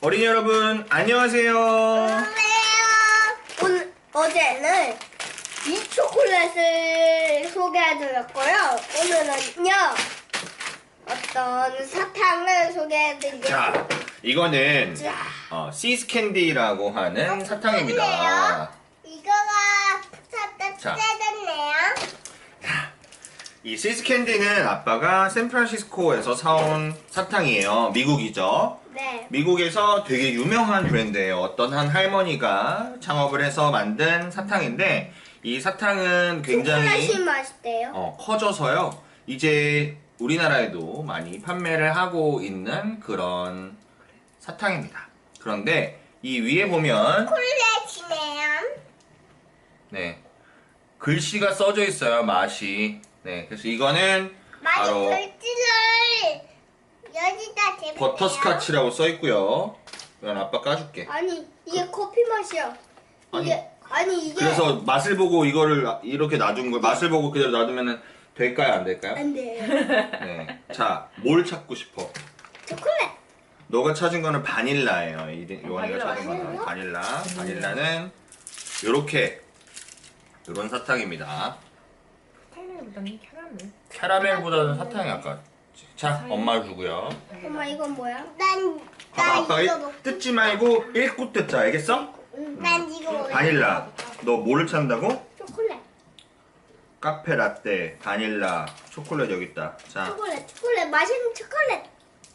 어린이 여러분, 안녕하세요. 어제는 이 초콜릿을 소개해드렸고요. 오늘은요, 어떤 사탕을 소개해드릴게요. 자, 이거는 자. 시스캔디라고 하는 사탕입니다. 이거가 살짝 자. 세졌네요. 이 시스캔디는 아빠가 샌프란시스코에서 사온 사탕이에요. 미국이죠. 네. 미국에서 되게 유명한 브랜드예요. 어떤 한 할머니가 창업을 해서 만든 사탕인데 이 사탕은 굉장히 초콜릿이 맛있대요. 커져서요. 이제 우리나라에도 많이 판매를 하고 있는 그런 사탕입니다. 그런데 이 위에 보면 초콜릿이네요. 네, 글씨가 써져 있어요. 맛이. 네, 그래서 이거는 바로 글씨를 여기다 대면 버터스카치라고 써 있고요. 이건 아빠 까줄게. 아니, 이게 커피 맛이야. 이게 그래서 맛을 보고 이거를 이렇게 놔둔 거, 맛을 보고 그대로 놔두면 될까요, 안 될까요? 안 돼요. 네. 자, 뭘 찾고 싶어? 초콜릿. 너가 찾은 거는 바닐라예요. 요한이가 찾은 거는 바닐라? 바닐라. 바닐라는 요렇게 요런 사탕입니다. 캐러멜보다는 캐러멜. 캐러멜보다는 사탕이 아까. 자, 엄마 주고요. 엄마 이건 뭐야? 봐봐, 아빠가 뜯지 말고 읽고 뜯자, 알겠어? 난 이거 먹을래. 바닐라. 너 뭐를 찾는다고? 초콜릿. 카페 라떼, 바닐라, 초콜릿 여기 있다. 자, 초콜릿. 맛있는 초콜릿.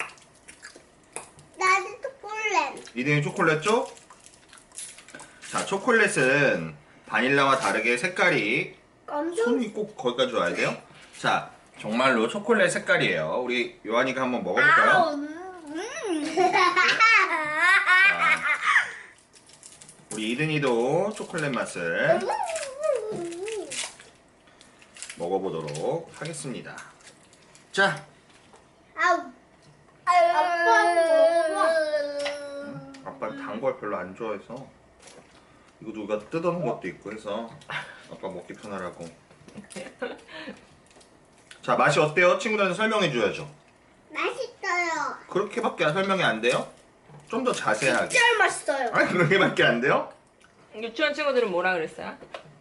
나도 초콜릿. 이등이 초콜릿 쪽? 자, 초콜릿은 바닐라와 다르게 색깔이 검정. 손이 꼭 거기까지 와야 돼요? 자, 정말로 초콜릿 색깔이에요. 우리 요한이가 한번 먹어볼까요? 자, 우리 이든이도 초콜릿 맛을 먹어보도록 하겠습니다. 자, 아빠 단 걸 별로 안 좋아해서 이거 누가 뜯어놓은 것도 있고 해서 아빠 먹기 편하라고. 자, 맛이 어때요? 친구들한테 설명해 줘야죠. 맛있어요. 그렇게밖에 설명이 안 돼요? 좀 더 자세하게. 진짜 맛있어요. 아니, 그렇게밖에 안 돼요? 유치원 친구들은 뭐라 그랬어요?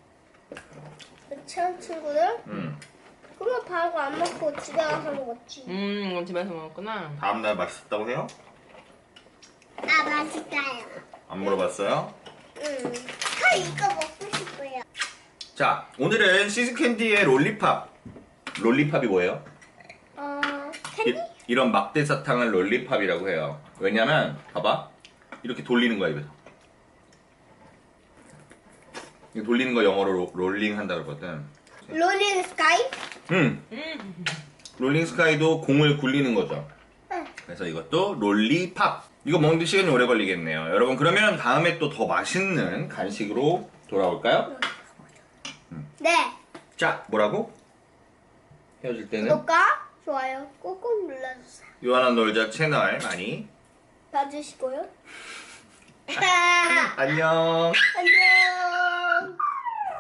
유치원 친구들? 그거 바로 안 먹고 집에 가서 먹었지. 이건 집에서 먹었구나. 다음날 맛있었다고 해요? 맛있어요. 안 물어봤어요? 저 이거 먹고 싶어요. 자, 오늘은 시스캔디의 롤리팝. 롤리팝이 뭐예요? 캔디? 이런 막대 사탕을 롤리팝이라고 해요. 왜냐면 봐봐, 이렇게 돌리는 거야 입에서. 이거 돌리는 거 영어로 롤링 한다 그러거든. 롤링 스카이? 롤링 스카이도 공을 굴리는 거죠. 그래서 이것도 롤리팝. 이거 먹는데 시간이 오래 걸리겠네요. 여러분, 그러면 다음에 또 더 맛있는 간식으로 돌아올까요? 네. 자, 뭐라고? 헤어질 때는 구독과 좋아요 꾹꾹 눌러주세요. 요한아 놀자 채널 많이 봐주시고요. 안녕. 안녕.